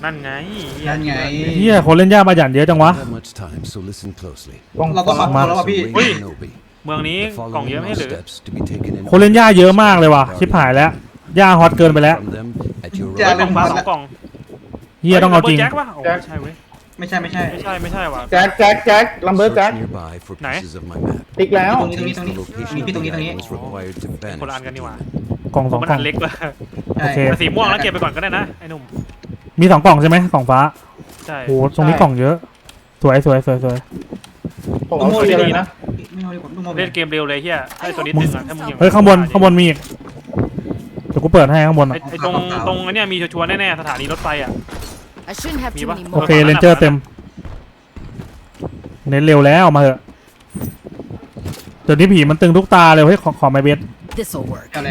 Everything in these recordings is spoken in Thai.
นั่นไงนั่นไงเฮียคนเล่นยากมาหยันเยอะจังวะเราก็ฝังตัวแล้วว่ะพี่เมืองนี้กล่องเยอะไม่หรือคนเล่นยากเยอะมากเลยว่ะชิบหายแล้วย่าฮอตเกินไปแล้วจะกล่องฟ้า2 กล่องเฮียต้องเอาจริงแจ็คปะโอ้ไม่ใช่เว้ยไม่ใช่ไม่ใช่ว่ะแจ็คลัมเบอร์แจ็คไหนติ๊กแล้วตรงนี้มีพี่ตรงนี้คนละอันกันนี่หว่ากล่องสองมันกล่อัองนเล็กว่ะโอเคแต่สีม่วงแล้วเก็บไปก่อนก็ได้นะไอ้หนุ่มมี2 กล่องใช่ไหมกล่องฟ้าใช่โอ้ตรงนี้กล่องเยอะสวยผมเอาสีเลยนะไม่เอาดีกว่าลูกโมเล่นเกมเร็วเลยเฮียไอ้ตัวนี้ตึงอ่ะถ้ามึงยังเฮ้ยข้างบนมีอีกเดี๋ยวกูเปิดให้ข้างบนไอ้ตรงอันเนี้ยมีชัวร์แน่ๆสถานีรถไฟอ่ะ I shouldn't have too many โอ more. เคเรนเจอร์เต็มเน้นเร็วแล้วมาเถอะเดี๋ยวนี้ผีมันตึงทุกตาเลยเฮ้ยขอไมเบส This'll work. เอาเลย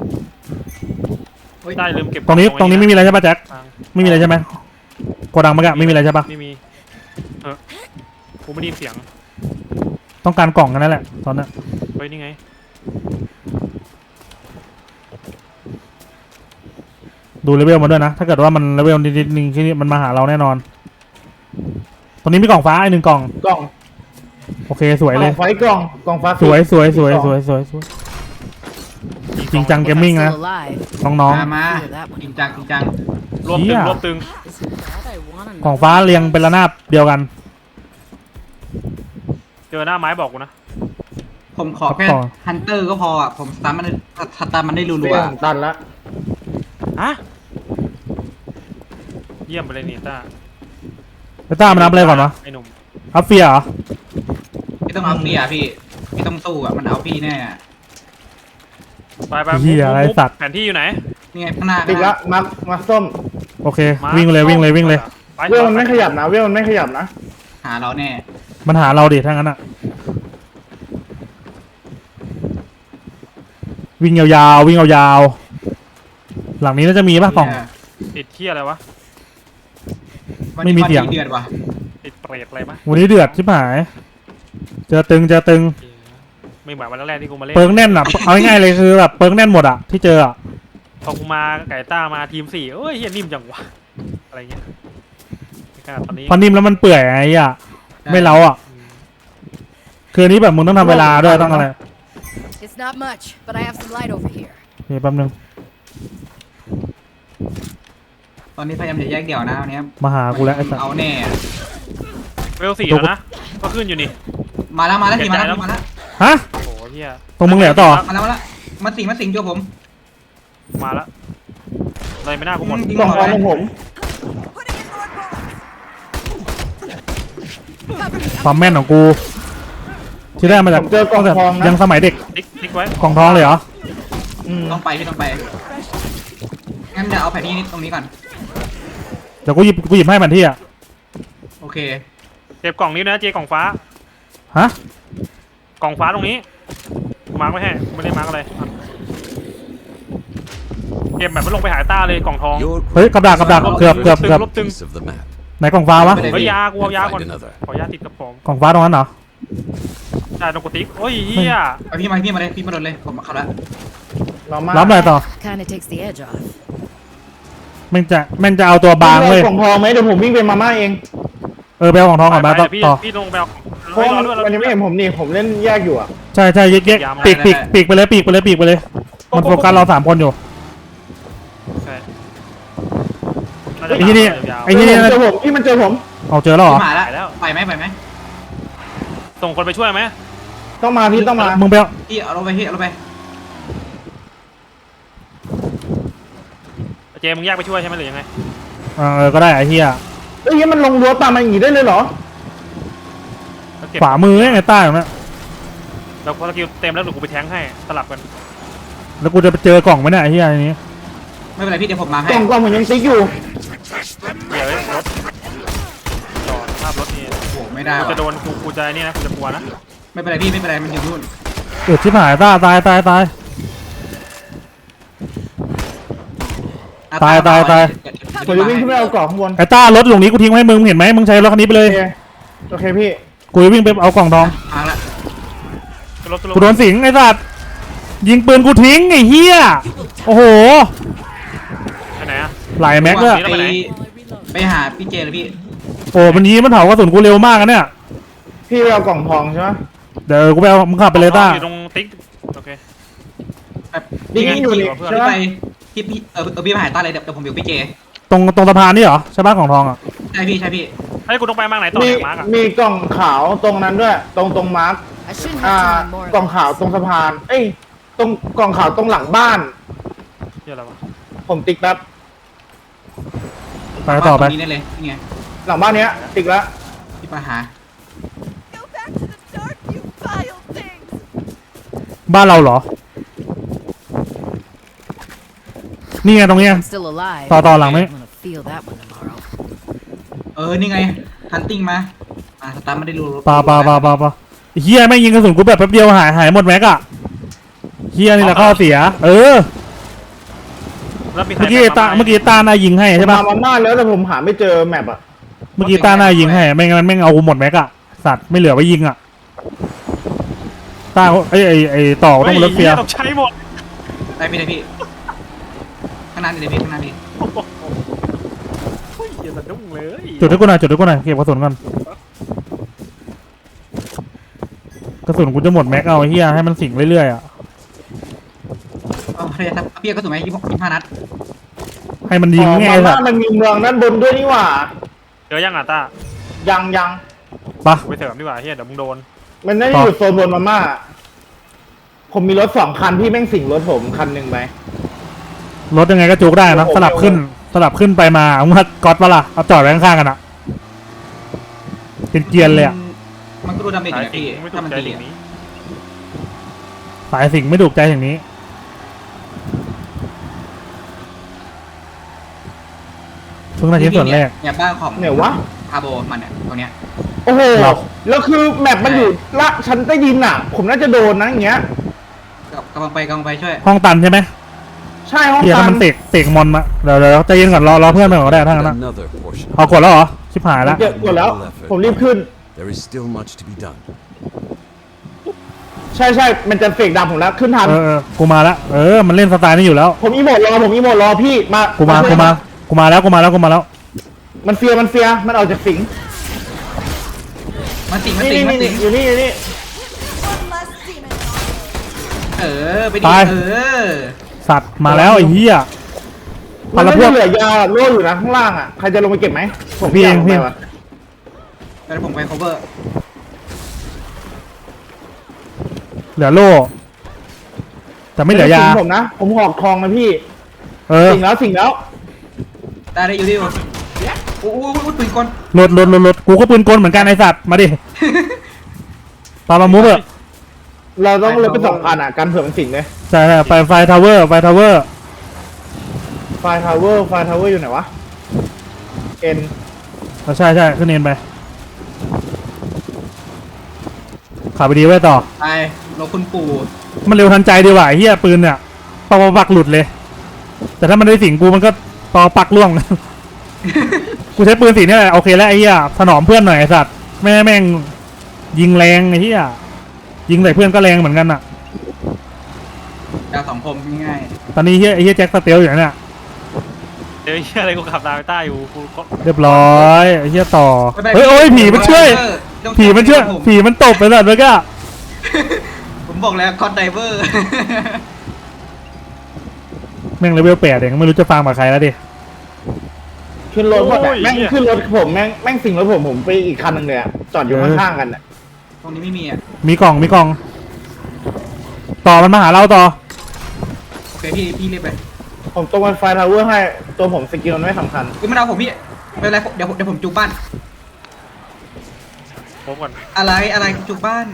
ได้ลืมเก็บตรงนี้ไม่มีอะไรใช่ปะแจ็คไม่มีอะไรใช่ไหมโกดังมันก็ไม่มีอะไรใช่ปะไม่มีกูไม่ได้ยินเสียงต้องการกล่องกันนั่นแหละตอนนั้นเฮ้ยนี่ไงดูเลเวลมาด้วยนะถ้าเกิดว่ามันเลเวลนิดนึงที่มันมาหาเราแน่นอนตรงนี้มีกล่องฟ้าอีก1 กล่องกล่องโอเคสวยเลยไฟกล่องฟ้าสวยจริงจังเกมมิ่ง Still นะ alive. น้องมาจริงจังรวบตึงรวบตึง That I wanna ๆกล่องฟ้าเรียงเป็นระนาบเดียวกันเจอหน้าไม้บอกกูนะผมขอแค่ฮันเตอร์ก็พออ่ะผมสตาร์มันได้รัเปวลี่ยนตันละฮะเยี่ยมไปเลยนี่ต้าไปต้ามันนับอะไรก่อนวะไอ้หนุ่มอัพเฟียเหรอๆพี่ต้องเอาพี่อ่ะพี่ต้องสู้อ่ะมันเอาพี่แน่อ่ะไปเหี้ยอะไรสัตว์แผนที่อยู่ไหนนี่ไงข้างหน้าติ๊กละมาส้มโอเควิ่งเลยไปเวลมันไม่ขยับนะหาเราแน่มันหาเราดิถ้างั้นอะวิ่งยาวๆหลังนี้น่าจะมีป่ะกล่องติดเที่ยอะไรวะไม่มีเสียงเดือดว่ะติดเปรตอะไรปะวันนี้เดือดชิบหายเจอตึงไม่เหมือนวันแรกที่กูมาเล่นเปิงแน่นอะเอาง่ายๆเลยคือแบบเปิงแน่นหมดอะที่เจออะพอกูมาไก่ต้ามาทีม4เอ้ยเฮียนิ่มจังวะอะไรเงี้ยขนาดตอนนี้พอนิ่มแล้วมันเปื่อยไอ้อะไม่เล้าอะคืออันนี้แบบมึงต้องทำเวลาด้วยต้องอะไร It's not much, but I have some light over here. นี่แป๊บนึงตอนนี้พยายามจะแยกเดี่ยวนะวันนี้มาหากูแล้วไอ้สัสเอาแน่เวล4แล้วนะก็ขึ้นอยู่นี่มาแล้วพี่มาแล้วฮะโอ้โหเฮียตรงมึงเหลือต่อมาแล้วมาสิงโจผมมาแล้วอะไรไม่น่ากูหมดกล่องฟ้าของผมความแม่นของกูที่ได้มาจากผมเจอกล่องทองนะยังสมัยเด็กติ๊กไว้กล่องทองเลยเหรอต้องไปงั้นเดี๋ยวเอาแผนที่ตรงนี้ก่อนเดี๋ยวกูหยิบให้มันที่อะโอเคเก็บกล่องนี้นะเจกล่องฟ้าฮะกล่องฟ้าตรงนี้มาร์กไว้ให้ไม่ได้มาร์กอะไรเก็บแบบไม่ลงไปหาต้าเลยกล่องทองเฮ้ยกับดักเกือบลบตึงไหนกล่องฟ้าวะเฮ้ยยากูเอายาก่อนขอยาติดกระป๋องกล่องฟ้าตรงนั้นเหรอใช่ตรงกุฏิโอ้ยเฮียไปพี่มาเลยพี่มาโดนเลยผมมาเข้าแล้วรับหน่อยต่อ Kinda takes the edge off. แม่งจะเอาตัวบางเว้ยกล่องทองไหมเดี๋ยวผมวิ่งไปมาม่าเองไปเอาของทองก่อนมาต่อพี่ลงไปเอาเพราะมันยังไม่เห็นผมนี่ผมเล่นแยกอยู่อ่ะใช่แยกปีกไปเลยมันโฟกัสเรา3 คนอยู่ใช่ไอ้ที่นี่เจอผมที่มันเจอผมเอาเจอแล้วเหรอมาแล้วไปไหมส่งคนไปช่วยไหมต้องมาพี่ต้องมามึงไปเอาพี่เอาลงไปเอาลงไปเจมึงแยกไปช่วยใช่ไหมหรือยังไงก็ได้ไอ้เหี้ยเอ้ยมันลงรั้วตามมาอย่างนี้ได้เลยเหรอขวามือไงใต้ตรงนั้นเราพอสกิลเต็มแล้วหนูกูไปแทงให้สลับกันแล้วกูจะไปเจอกล่องไหมเนี่ยไอ้เหี้ยอันนี้ไม่เป็นไรพี่เดี๋ยวผมมาให้กล่องผมยังติ๊กอยู่เดี๋ยวรถจอดภาพรถนี่โอ้ไม่ได้กูจะโดนกูจะนี่นะกูจะกลัวนะไม่เป็นไรพี่ไม่เป็นไรมันอยู่นู่นชิบหายตายตายผมจะวิ่งขึ้นไปเอากล่องข้างบนไอ้ต้ารถหลงนี้กูทิ้งไว้ให้มึงเห็นไหมมึงใช้รถคันนี้ไปเลยโอเคพี่กูจะวิ่งไปเอากล่องทองมาละกูโดนสิงไอ้สัตว์ยิงปืนกูทิ้งไอ้เหี้ยโอ้โหไปไหนอะหลายแม็กเลยแล้วไปไหนไปหาพี่เจเลยพี่โอ้มันยีมันเผากระสุนกูเร็วมากนะเนี่ยพี่ไปเอากล่องทองใช่ไหมเดี๋ยวกูไปเอามึงขับไปเลยต้าอยู่ตรงติ๊กโอเคแบบนี่อยู่นี่เพื่อนใช่พี่ไหมไปพี่พี่มาหาต้าเลยเดี๋ยวผมอยู่พี่เจตรงสะพานนี่เหรอใช่ป่ะของทองอ่ะใช่พี่ใช่พี่ไอ้ยกูต้องไปมากไหนต่อมีเนี่ยมาร์กอะมีกล่องขาวตรงนั้นด้วย ตรงมาร์ค I shouldn't have too many more. กล่องขาวตรงสะพาน เอ้ยตรงกล่องขาวตรงหลังบ้านเหี้ยอะไรวะผมติ๊กแป๊บไปต่อไปตรงนี้ได้เลยนี่ไงหลังบ้านเนี้ยติ๊กแล้วพี่มาหา Go back to the start, you vile things! บ้านเราเหรอ นี่ไงตรงเนี้ย I'm still alive. ต่อหลังนี้ I'm gonna feel that one tomorrow. นี่ไงฮันติ้งมาสตาร์ไม่ได้รู้ปาเฮียแม่งยิงกระสุนกูแบบแป๊บเดียวหายหมดแม็กอะเฮียนี่แหละข้อเสียแล้วมีใครเมื่อกี้มาไหเมื่อกี้ตาหน้ายิงให้ใช่ปะมาบ้านแล้วแต่ผมหาไม่เจอแมปอ่ะเมื่อกี้ตาหน้ายิงให้ไม่งั้นแม่งเอากูหมดแม็กอะสัตว์ไม่เหลือไว้ยิงอะตาไอ้ต่อต้องรถเฟียร์ต้องใช้หมดได้พี่ข้างหน้านี่เลยพี่ข้างหน้านี่เฮ้ยอย่าสะดุ้งเลยจุดให้กูหน่อยเก็บกระสุนก่อนกระสุนกูจะหมดแม็กเอาไอ้เฮียให้มันสิงเรื่อยๆอะเรียกพี่ก็ถูกไหม25 นัดให้มันยิงอ๋อไงมาไอ้สับ้าตนว์มันมีเมืองด้านบนด้วยนี่หว่าเจอยังอ่ะต้ายังปะไปเสริมดีกว่าเฮียเดี๋ยวมึงโดนมันน่าจะอยู่โซนบนมาม่าผมมีรถ2 คันพี่แม่งสิงรถผมคันหนึ่งไปรถยังไงก็จุกได้นะสลับขึ้นไปมามึงว่าก๊อตปะล่ะเอาจอดไว้ข้างๆกันอะเป็นเกียร์เลยอะมันก็ดูดาเมจอยู่สายนะจริงพี่ไม่ถูถ้าก มันใจตีสิ่งนี้สายสิงไม่ถูกใจอย่างนี้เพิ่งได้ชิ้นส่วนแรกเนี่ยบ้านของเนี่ยวะคาโบมันเนี่ยตรงเนี้ยโอ้โหหรอแล้วคือแมปมันอยู่ละชั้นใต้ดินอ่ะ ผมน่าจะโดนนะอย่างเงี้ยกำลังไปช่วยห้องตันใช่ไหมใช่ห้องเฮียตัถ้าน มันเตกมอนมาเดี๋ยวใจเย็นก่อนรอเพื่อนไปก่อนก็ได้ทั้งนั้นนะ Another portion. เอากดแล้วเหรอชิบหายแล้วเจ็บหมดแล้ว ผมรีบขึ้น There is still much to be done. ใช่มันจะเฟกดำผมแล้วขึ้นทันกูมาแล้วมันเล่นสไตล์นี้อยู่แล้วผมอีโมดรอพี่มากูมาแล้วมันเฟียมันออกจากสิงมันสิงนี่อยู่นี่ One less demon. ไปดิสัตว์มาแล้วไอ้เหี้ยมันละไม่พวกเหลือยาโล่อยู่นะข้างล่างอ่ะใครจะลงไปเก็บไหมผมพี่เองยากลพี่ไปว่ะแล้วผมไป cover เหลือโล่แต่ไม่เหลือยาสิงผมนะผมหอกทองนะพี่สิงแล้วได้อยู่ดิโอ้ปืนกลรถกูก็ปืนกลเหมือนกันไอ้สัตว์มาดิปามามุกเถอะเราต้องลดเป็น2 คันอ่ะกันเผื่อมันสิงเลยใช่ไปไฟทาวเวอร์ไฟทาวเวอร์อยู่ไหนวะเอ็นใช่ขึ้นเอ็นไปขับไปดีไว้ต่อไปรถคุณปู่มันเร็วทันใจดีว่ะไอ้เหี้ยปืนเนี่ยปอปักหลุดเลย แต่ถ้ามันได้สิงกูมันก็ปอปักล่วง กูใช้ปืนสีนี่แหละโอเคแล้วไอ้เหี้ยถนอมเพื่อนหน่อยไอ้สัตว์แม่งยิงแรงไอ้เหี้ยยิงใส่เพื่อนก็แรงเหมือนกันอ่ะดาว2 คมง่ายตอนนี้ไอ้เหี้ยแจ็คสเตลอย่างเนี้ยเดี๋ยวไอ้เฮียอะไรกูขับตามไปต้าอยู่กูก็เรียบร้อยไอ้เหี้ยต่อเฮ้ยโอ้ยผีมันช่วยผีมันตบไปสัตว์เมื่อกี้ผมบอกแล้วคอนไดเวอร์แม่งเลเวล8เองไม่รู้จะฟังกับใครแล้วดิขึ้นรถหมดอะแม่งขึ้นรถผมแม่งสิงรถผมไปอีกคันนึงเลยอะจอดอยู่ข้างๆกันอะตรงนี้ไม่มีอ่ะมีกล่องต่อมันมาหาเราต่อโอเคพี่เรียบไปผมตรงไฟทาวเวอร์ให้ตัวผมสกิลมันไม่สำคัญไม่เอาผมพี่ไม่เป็นไรเดี๋ยวผมจูบบ้านผมก่อนอะไรจูบบ้าน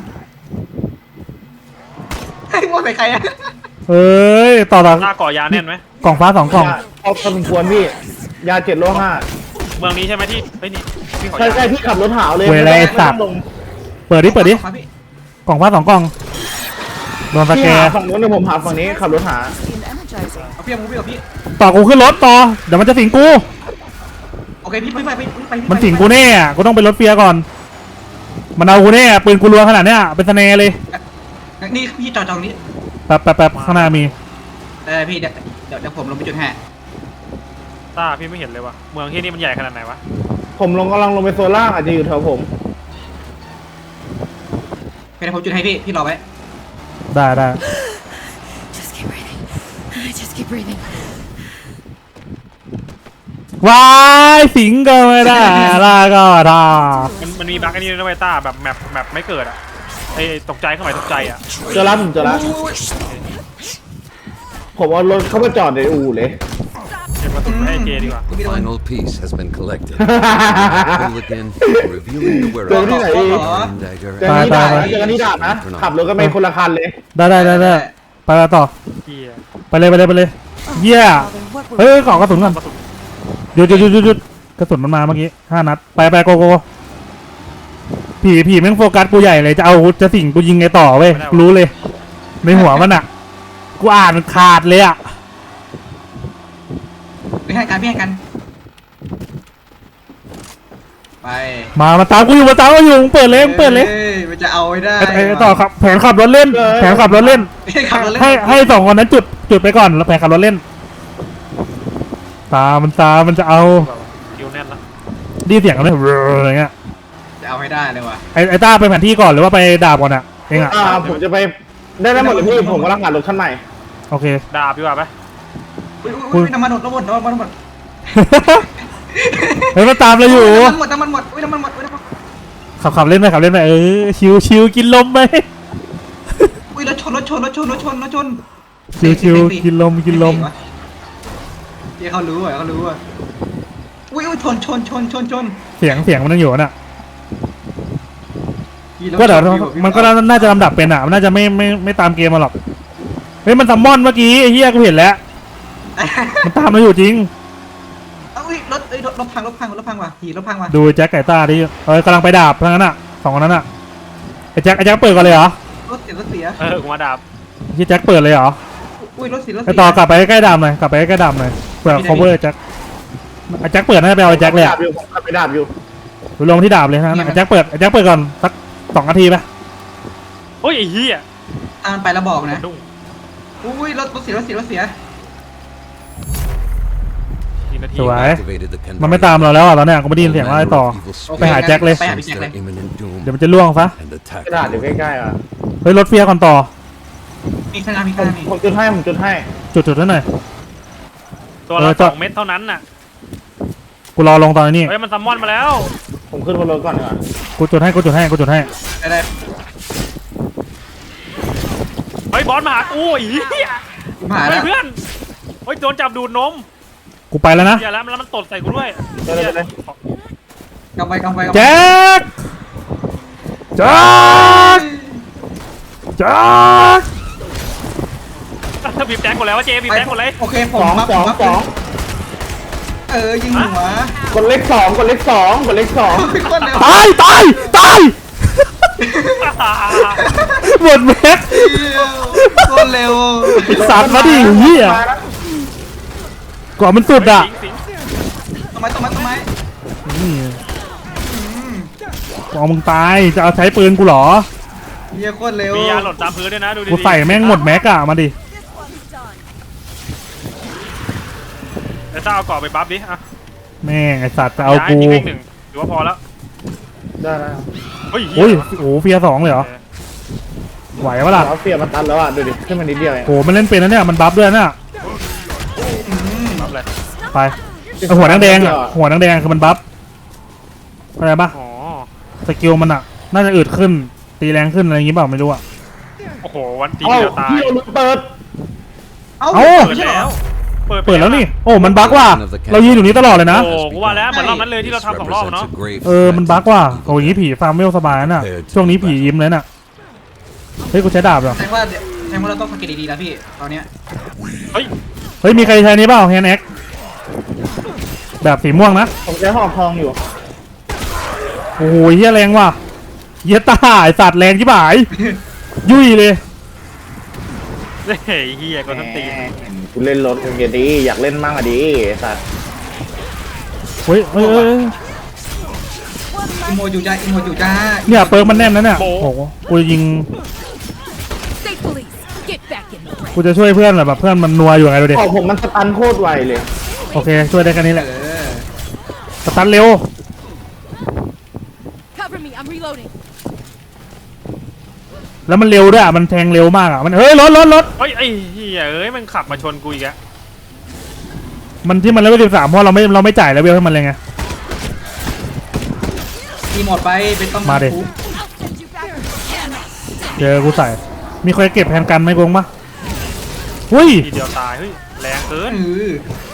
ให้มั่วใส่ใครอ่ะเอ้ยต่อหน้าก่อยาแน่นไหมกล่องฟ้า2 กล่องพอสมควรพี่ยา7 โลเมืองนี้ใช่ไหมที่เฮ้ยนี่พี่ขอ 5 ยาใช่พี่ขับรถหาวเลยเวลาไอ้สัตว์ไม่ต้องลงเปิดดิพี่กล่องฟ้า2 กล่องโดนสพี่แกหาร์ฝั่งนู้นเดี๋ยวผมหาฝั่งนี้ขับรถหา Seemed energizing. เอาพี่เอาพี่ต่อกูขึ้นรถต่อเดี๋ยวมันจะสิงกูโอเคพี่ไปมันสิงกูแน่อะกูต้องไปรถเฟียร์ก่อนมันเอากูแน่ปืนกูรัวขนาดเนี้ยเป็นสเนเลยนี่พี่จอดตรงนี้แป๊บข้างหน้ามีพี่เดี๋ยวผมลงไปจุดแห่ต้าพี่ไม่เห็นเลยวะเมืองที่นี่มันใหญ่ขนาดไหนวะผมกำลังลงไปโซนล่างอาจจะอยู่แถวผมเป็นผมจุดให้พี่รอไว้ได้ได้ Just keep breathing. Just keep breathing. วายสิงก็ไม่ได้ลาก็ทามันมีบั๊กอันนี้ด้วยนะเว้ยต้าแบบแมปไม่เกิดอ่ะไอ้ตกใจเข้าไปตกใจอ่ะเจอแล้วผมเจอแล้วผมเอารถเข้าไปจอดในอู่เลยเก็บกระสุนให้เจดีกว่า The final piece has been collected. Hooligan, revealing the เจอที่ไหน whereabouts of Dagger เจอนี่ดาบนะเจอนี่ดาบนะขับรถก็ไม่คนละคันเลยได้ไปต่อเฮียไปเลยเยี่ย Father, what เฮ้ were ยขอกระสุนก่อนหยุดกระสุนมันมาเมื่อกี้5 นัดไปโกผีแม่งโฟกัสกูใหญ่เลยจะสิ่งกูยิงไงต่อเว้ยรู้เลยในหัวมันอ่ะกูอ่านขาดเลยอ่ะพี่ให้กันไปมาตามกูอยู่มึงเปิดเลยมันจะเอาไว้ได้ไอ้ต่อครับแผนขับรถเล่นให้ขับรถเล่นให้สองคนนั้นจุดไปก่อนแล้วแผนขับรถเล่นตามันจะเอาคิวแน่นละดีเสียงกันเลยอะไรเงี้ยจะเอาให้ได้เลยว่ะไอ้ต้าไปแผนที่ก่อนหรือว่าไปดาบก่อนอ่ะเองอ่ะผมจะไปได้หมดเลยพี่ผมกำลังหารถคันใหม่โอเคดาบดีกว่าไหมอุ้ยน้ำมันหมดน้ำมันหมดเฮ้ยมันตามเราอยู่น้ำมันหมดอุ้ยน้ำมันหมดขับเล่นไปชิวกินลมไปอุ้ยรถชนชิวกินลมเดี๋ยวเขารู้อ่ะอุ้ยชนเสียงมันยังอยู่น่ะก็เดี๋ยวมันก็น่าจะลำดับเป็นอ่ะมันน่าจะไม่ตามเกมมาหรอกเฮ้ยมันซัมมอนเมื่อกี้ไอ้เหี้ยกูเห็นแล้วมันตามเราอยู่จริงอุ้ยรถพังว่ะขี่รถพังว่ะดูแจ็คไก่ต้าดิกำลังไปดาบทั้งนั้นอ่ะ2 คนนั้นอ่ะไอ้แจ็คเปิดก่อนเลยเหรอรถเสียกูมาดาบที่แจ็คเปิดเลยเหรออุ้ยรถเสียไอ้ต่อกลับไปใกล้ๆดาบหน่อยเผื่อ cover แจ็คไอ้แจ็คเปิดน่าจะไปเอาไอ้แจ็คเลยอ่ะผมขับไปดาบอยู่ลงที่ดาบเลยนะไอ้แจ็คเปิดก่อนสัก2 นาทีไปโอ้ยไอ้เฮียตามไปแล้วบอกนะดุ้งอุ้ยรถเสียกี่นาทีสวย activated the มันไม่ตามเราแล้วอ่ะตอนเนี้ยกูไม่ได้ยินเสียงอะไรต่อ ไปหาแจ็คเลยไปหาพี่แจ็คเลย imminent doom เดี๋ยวมันจะล่วงซะ and attack กระดาษอยู่ใกล้ๆอ่ะเฮ้ยรถเฟียร์ก่อนต่อมีข้างหน้ามีผมจุดให้จุดให้หน่อยตัวละจอด 2 เม็ดเท่านั้นน่ะกูรอลงตอนนี้เฮ้ยมันซัมมอนมาแล้วผมขึ้นบนรถก่อนดีกว่ากูจุดให้ได้เฮ้ยบอสมาหากูไอ้เฮียมาเฮ้แล้ยว เพื่อนเฮ้ยโดนจับดูดนมกูไปแล้วนะเฮียแล้วมันตดใส่กูด้วยไปเลยกำไปแจ็คบีบแจ็คหมดแล้วว่าเจบีบแจ็คหมดเลยโอเคผม 2 ยิงหัวกดเลข 2 เป็นคนเร็วตายหมดแม็กคนเร็วสัตว์มาดิเหี้ยก่อนมันสุดอ่ะสิงทำไมนี่ก่อนมึงตายจะเอาใช้ปืนกูเหรอเฮียโคตรเร็วมียาหล่นตามพื้นด้วยนะดูดิกูใส่แม่งหมดแม็กอะมาดิแต่ถ้าเอาเกาะไปบัฟดิอ่ะแม่งไอสัตว์จะเอากูย้ยทิ้งเลข1ถือว่าพอแล้วได้เฮ้ยโอ้ยโอ้เฟียร์2เลยเหรอไหวปะล่ะแล้วเฟียมันตันแล้วอ่ะดูดิขึ้นมานิดเดียวเองโหมันเล่นเป็นนะเนี่ยมันบัฟด้วยนะบัฟเลยไปไอ้หัวแดงๆอ่ะหัวแดงๆคือมันบัฟอะไรปะอ๋อสกิลมันอ่ะน่าจะอึดขึ้นตีแรงขึ้นอะไรอย่างงี้เปล่าไม่รู้อ่ะโอ้โหวันตีเอ้าเดียวตายพี่เอารถเปิดเอ้าเอ้าเปิดแล้วเปิดแล้วนี่โอ้มันบั๊กว่ะเรายืนอยู่นี้ตลอดเลยนะโอ้กูว่าแล้วเหมือนรอบนั้นเลยที่เราทำ2 รอบเนาะมันบั๊กว่ะโอ้ยผีฟาร์มเวลสบายน่ะช่วงนี้ผียิ้มเลยน่ะเฮ้ยกูใช้ดาบเหรอแสดงว่าเราต้องสังเกตดีๆแล้วพี่ตอนเนี้ยเฮ้ยเฮ้ยมีใครใช้นี้เปล่าแฮนด์แอ็กแบบสีม่วงนะผมใช้หอกทองอยู่โอ้ยเฮียแรงว่ะเฮียตาไอสัตว์แรงชิบหายยุ่ยเลยเฮ้ยเฮียก็ทั้งตีนกูเล่นรถมึงอย่าดีอยากเล่นมั่งอ่ะดิสัตว์เฮ้ยอิโมอยู่จ้าเนี่ยเปิร์กมันแน่นนะเนี่ยโอ้โหกูจะยิง State police, get back in the fray. กูจะช่วยเพื่อนแหละแบบเพื่อนมันนัวอยู่ไงดูดิของผมมันสตันโคตรไวเลยโอเคช่วยได้แค่นี้แหเอละอสตันเร็ว Cover me, I'm reloading. แล้วมันเร็วด้วยอ่ะมันแทงเร็วมากอ่ะมันเฮ้ยรถเฮ้ยไอ้เหี้ยเอ้ยมันขับมาชนกูอีกแล้วมันที่มันเลเวล13เพราะเราไม่จ่ายเลเวลให้มันเลยไงทีหมดไปเป็นต้องมาดิคุก I'll send you back to camp. เจอกูใส่มีใครเก็บแผนกันไหมกงปะหุ้ยทีเดียวตายเฮ้ยแรงเกินเออ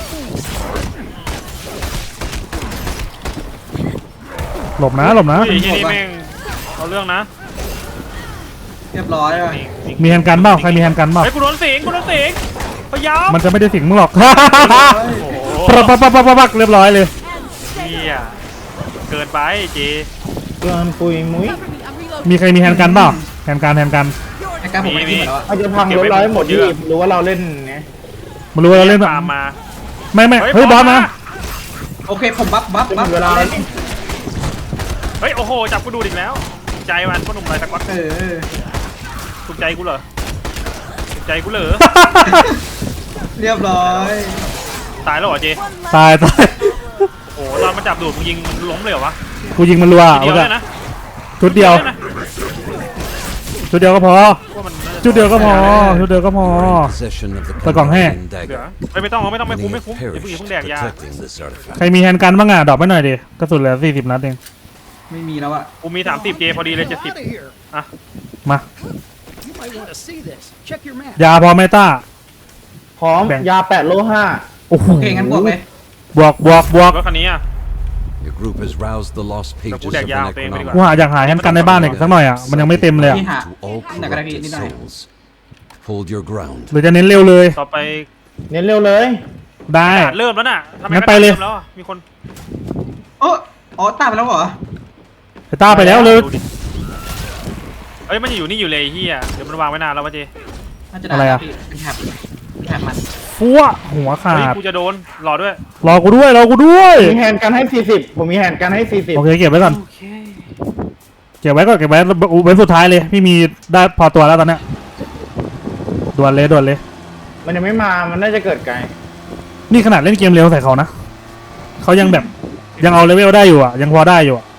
หลบนะเฮ้ยไอ้เหี้ยนี่แม่งเอาเรื่องนะเรียบร้อยว่ะนี่มีแฮนด์กันเปล่าใครมีแฮนด์กันเปล่าเฮ้ยกูโดนสิงพยายามมันจะไม่ได้สิงมึงหรอกโอ้โหปักเรียบร้อยเลยเหี้ยเกินไปเจเกินปุยมุ้ย Cover me, I'm reloading. มีใครมีแฮนด์กันเปล่าแฮนด์กันไอ้การผมไปที่หมดแล้วอะเขาจะพังรถร้อยหมดที่รู้ว่าเราเล่นไงมันรู้ว่าเราเล่นตามมาไม่เฮ้ยบอสมาโอเคผมบัฟจะหมดเวลาแล้วนี่เฮ้ยโอ้โหจับกูดูดอีกแล้วถูกใจมันพ่อหนุ่มไรสักวัดเออถูกใจกูเหรอถูกใจกูเหรอเรียบร้อยตายแล้วเหรอเจตายโอ้โหตอนมันจับดูดมึงยิงมันล้มเลยเหรอวะกูยิงมันรัวทีเดียวเอาเลยนะชุดเดียวนะชุดเดียวก็พอว่ามันน่าจะชุดเดียวก็พอชุดเดียวก็พอ You're in possession of the Tại còn he. Kandarian เหลือ dagger. ไม่ต้องไม่ Many คุ้ม have อย่าเพิ่งแดก perished ยา protecting this artifact. ใครมีแฮนด์กันบ้างอ่ะดรอปไปหน่อยดิกระสุนเหลือ40 นัดเองไม่มีแล้วอะกูมี30เจพอดีเลย70อ่ะมา You might want to see this. Check your map. ยาพอไหมต้าพร้อมแบ่งยา8โล5 โอ้โหโอเคงั้นบวกเลยบวกรถคันนี้อ่ะ Your group has roused the lost pages of Đạc the dao tên mới đi Necronomicon. กูอยากหาแฮนด์กันในบ้านอีกสักหน่อยอ่ะมันยังไม่เต็มเลยอ่ะนี่หา To all Nè, cái này thì corrupted đi này. souls. Hold your ground. หรือจะเน้นเร็วเลยต่อไปเน้นเร็วเลยได้เริ่มแล้วน่ะทำไมงั้นไปเลยริ่มแล้วอ่ะมีคนโอ้อ๋อตามไปแล้วเหรอไปต้าไปแล้วเลยดูดิเฮ้ยมันอยู่นี่อยู่เลยไอ้เฮียเดี๋ยวมันวางไว้นานแล้ววะเจน่าจะได้อะไรอะพี่เป็นแถบมันฟัวหัวขาเฮ้ยดกูจะโดนรอด้วยรอกูด้วยมีแฮนด์กันให้40ผมมีแฮนด์กันให้40 โอเคเก็บไว้ก่อนเก็บไว้เว้นสุดท้ายเลยพี่มีได้พอตัวแล้วตอนเนี้ยด่วนเลยมันยังไม่มามันน่าจะเกิดไกลนี่ขนาดเล่นเกมเร็วใส่เขานะเขายังแบบยังเอาเลเวลได้อยู่อ่ะยังพอได้อยู่อะ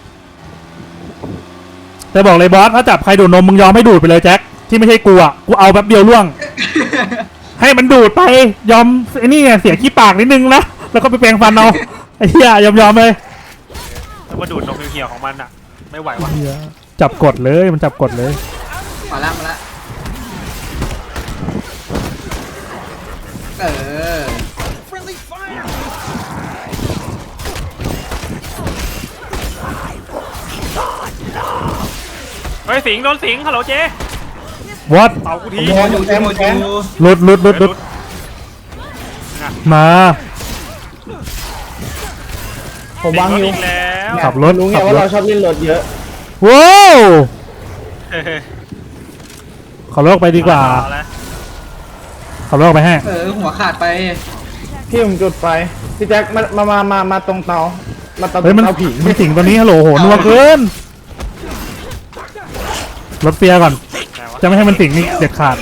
แต่บอกเลยบอสถ้าจับใครดูดนมมึงยอมให้ดูดไปเลยแจ็คที่ไม่ใช่กูอ่ะกูเอาแป๊บเดียวล่วง ให้มันดูดไปยอมไอ้นี่ไงเสียขี้ปากนิดนึงนะแล้วก็ไปแปรงฟันเอาไอ้เหี้ยยอมเลยแล้วก็ดูดนมเหี่ยวๆของมันอ่ะไม่ไหวว่ะจับกดเลยมันจับกดเลยมาละเออ Friendly fire. เฮ้ยสิงโดนสิงฮัลโหลเจวัดเป่ากูทีโมอยู่โมอยู่หลุดเฮ้ยมาผมวางอยู่สิงรถอีกแล้วขับรถรู้ไงขับว่ารถเราชอบเล่นรถเยอะว้าวเฮ้ยขอโลกไปดีกว่าเอละขอโลกไปให้หัวขาดไปพี่ผมจุดไฟพี่แจ็คมาตรงเตามาตรงเฮ้ยมันเตาผีมันสิงตัวนี้ฮัลโหลโหนัวเกินรถเฟียร์ก่อนไหนวะจะไม่ให้มันสิงนี่เด็ดขาด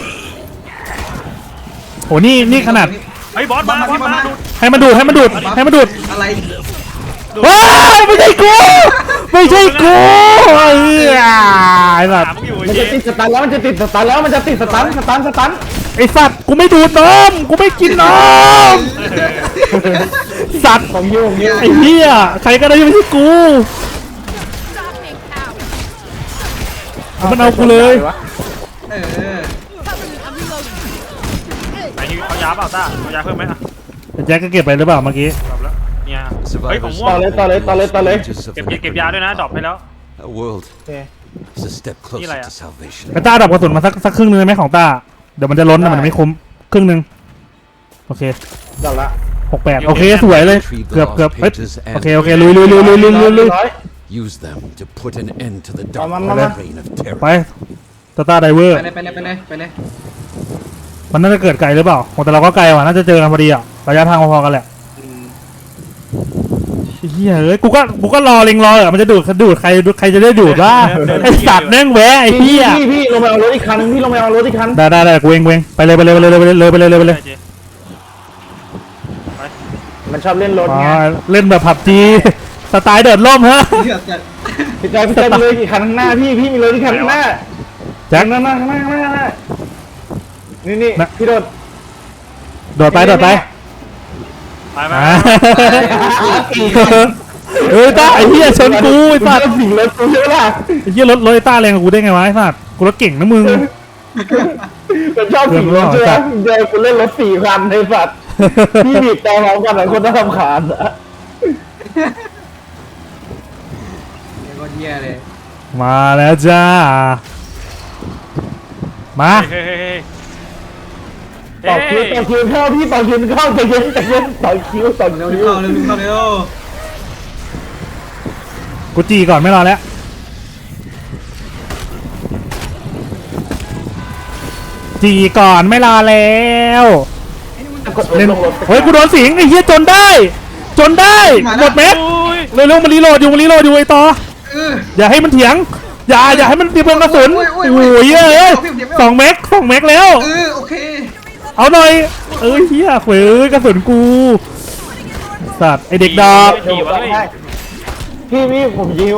โหนี่ขนาดเฮ้ยบอสมาบอสมาดูดให้มันดูดอะไรว้ายไม่ใช่กูไอ้เหี้ยไอ้สัตถามว์มึงอยู่มันไอ้เจจะติดสตันแล้วมันจะติดสตันแล้วมันจะติดสตันไอ้สัตว์กูไม่ดูดนมกูไม่กินนมสัตว์ผมยุ่งไอ้เหี้ยใครก็ได้ไม่ใช่กู Stop me, cow. มันเอากูเลยเออ Cover me, I'm reloading. ไหนเอายาเปล่าต้าเอายาเพิ่มไหมอ่ะแจ็คก็เก็บไปหรือเปล่าเมื่อกี้ดรอปแล้วเนี่ยเฮ้ยของ Survivors ม่วงต่อเลย pages of เก็บ the เก็บยาด้วยนะดรอปให้แล้ว A world โอเค is a step closer lại to à? salvation. ไอ้ต้าดับกระสุนมาสักครึ่งนึงได้ไหมของต้าเดี๋ยวมันจะล้นนะมันไม่คุ้มครึ่งนึงโอเคจับละ 68โอเคสวยเลยเกือบเฮ้ยโอเคลุย Use them to put an end to the dark Mà- mà- reign of terror. ไปต้าไดเวอร์ไปเลยมันน่าจะเกิดไกลหรือเปล่าโหแต่เราก็ไกลว่ะน่าจะเจอกันพอดีอ่ะระยะทางพอๆกันแหละเฮียเอ้ยกูก็รอเล็งรอมันจะดูดใครจะได้ดูดว่าไอ้สัตว์แม่งแหวะไอ้เหี้ยพี่ลงไปเอารถอีกคันพี่ลงไปเอารถอีกคันได้กูเองไปเลยไปเจมันชอบเล่นรถอ๋อไงเล่นแบบผับจีสไตล์เดิดร่มฮะเลือกจะพี่ใจมีเลยกี่คันข้างหน้าพี่มีเลยกี่คันข้างหน้าแจ็คข้างหน้านี่นะพี่โดดโดดไปโดดไปไปไปอ่าเอ้ยต้าไอ้เหี้ยชนกูไอ้สัตว์สิ่งรถกูใช่ไหมล่ะไอ้เหี้ยรถไอ้ต้าแรงกว่ากูได้ไงวะไอ้สัตว์กูรถเก่งนะมึงมันชอบสิ่งรถใช่ไหมเจอกูเล่นรถ4 คันในสัตว์พี่บีบแต่พร้อมกันหลายคนน่ารำคาญอะเดี๋ยวก็เยี่ยเลยมาแล้วจ้ามาเฮ้ยเฮ้ยเฮ้ยต่อคิวเข้าพี่ต่อคิวเข้าใจเย็นต่อคิวเร็วเข้าเร็วเข้าเร็วกูจีก่อนไม่รอแล้วจีก่อนไม่รอแล้วเล่นเฮ้ยกูโดนสิงไอ้เหี้ยจนได้หมดเม็ดอุ้ยเร็วๆมันรีโหลดอยู่ไอ้ต่อ อย่าให้มันเถียง อย่าให้มันเตรียมกระสุนโอ้ยเอ้ย2 เมกแล้วโอเคเอาหน่อยเฮียเว้ยกระสุนกูสัตว์ไอเด็กดอกขี่วะเฮ้ยพี่ผมยิว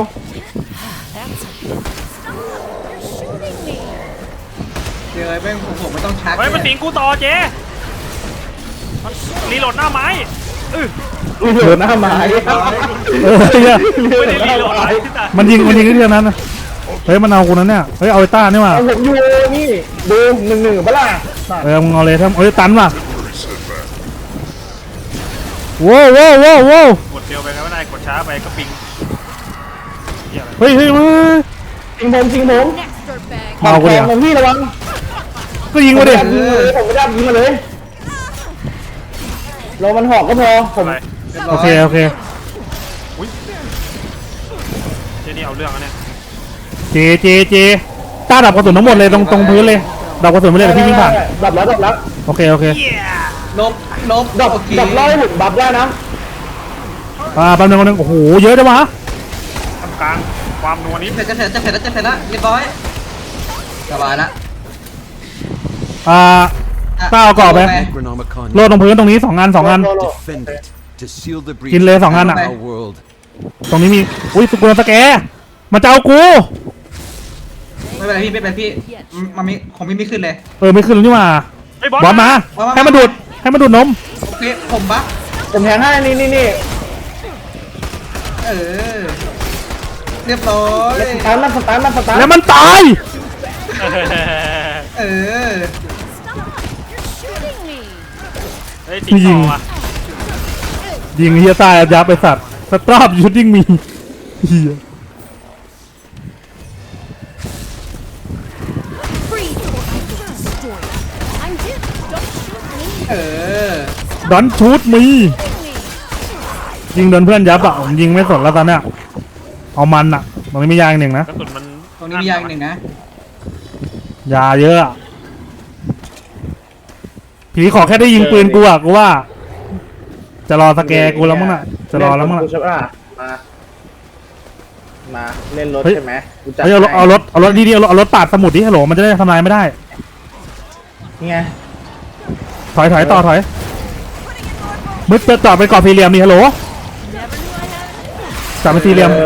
เดี๋ยวแม่งผมไม่ต้องชักเฮ้ยมันสิงกูต่อเจ๊มันรีโหลดหน้าไม้เออเหลือหน้าไม้เฮียไม่ได้รีโหลดอะไรที่ไหนมันยิงที่เท่านั้นนะเฮ้ยมันเอากูนั้นเนี่ยเฮ้ยเอาไอ้ต้านี่มาผมอยู่นี่ดู1-1ปะล่ะมึงเอาเลยทั้งตันว่ะโว้วกดเร็วไปก็ไม่ได้กดช้าไปก็ปิงเหี้ยอะไรเฮ้ยมาจริงผม Next dirtbag. เอากูแทเดี๋งยวผมพี่ระวังก็ยิงกูดิผมไม่ได้ยิงมาเลยรอมันหอกก็พอผมอะไรโอเคอุ้ยเจนี่เอาเรื่องอะเนี่ยเจต้าดับกระสุนทั้งหมดเลยตรงพื้นเลยดับกระสุนไปเลยเดี๋ยวพี่วิ่งผ่านดับแล้วโอเคลบดับโอเคร้อยผมดับได้นะแป๊บนึงโอ้โหเยอะจังวะทำกลางความนัวนี้จะเสร็จแล้วเรียบร้อยสบายละต้าเอากรอบไป Necronomicon โลดตรงพื้นตรงนี้2 อัน defend it to seal the breach กินเลย2 อัน of อ่ะ our world. ตรงนี้มีอุ้ยสุกุลสแกมันจะเอากูไม่เป็นไรพี่มันมีผมไม่ขึ้นเลยไม่ขึ้นแล้วนี่หว่าไอ้บอลบอลมา ให้มันดูดนมโอเคผมบัฟผมแทงให้นี่เรียบร้อยสตาร์ทแล้วมันตาย Shooting me. เฮ้ยสิงต่อว่ะยิงเฮียตายยับไปสัตว์สตรอบยูดดิ้งมีเฮีย Freeze or I will destroy you. I'm here. Don't shoot me. ดอนชูดมี Shooting me. ยิงโดนเพื่อนยับอ่ะผมยิงไม่สนแล้วตอนเนี้ยเอามันอ่ะตรงนี้มียา1นะกระสุนมันตรงนี้มียาอีก1นะยาเยอะอะผีขอแค่ได้ยิงปืนกูอ่ะกูว่า จะรอสแกร์กูแล้วมั้งน่ะจะรอแล้วมั้งน่ะใช่ป่ะมาเล่นรถใช่ไหมเฮ้ยเอารถดีๆเอารถปาดสมุดดิฮัลโหลมันจะได้ทำลายไม่ได้ไงถอยต่อถอยมึดจะจอดไปก่อนสี่เหลี่ยมนี่ฮัลโหลจับเป็นสี่เหลี่ยม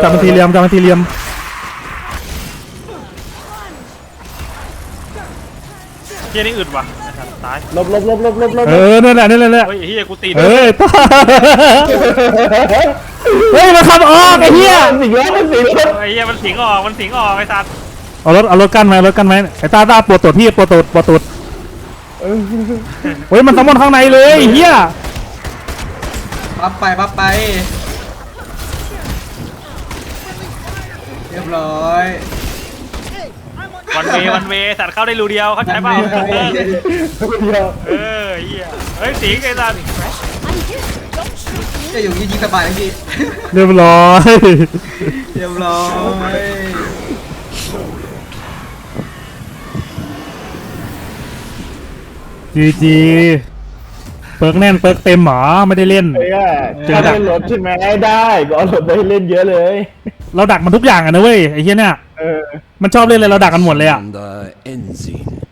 เจนี่อึดว่ะไอ้สัตว์ตายลบนั่นแหละเฮ้ยเฮียกูตีเฮ้ยต้าเฮ้ยมันขับออกไอ้เหี้ยสิ่งแล้วมันสิ่งแล้วไอ้เฮียมันสิงออกไอ้สัตว์เอารถกั้นไหมไอ้ต้าปวดตูดพี่ปวดตูดเฮ้ยมันสมอนข้างในเลยไอ้เหี้ยบัฟไปเรียบร้อยวันเวสัตว์เข้าได้รูเดียวเข้าใจเปล่าเออเฮียเฮ้ยสิงไอ้สัตว์ I'm here. Don't shoot me. จะอยู่ยิงสบายเลยพี่เรียบร้อยเรียบร้อยจีเปิร์กแน่นเปิร์กเต็มหรอไม่ได้เล่นถ้าเล่นรถใช่ไหมได้ก็เอารถไปเล่นเยอะเลยเราดักมันทุกอย่างอะนะเว้ยไอ้เหี้ยเนี่ยมันชอบเล่นเลยเราดักกันหมมดเลยอะ And Enzine.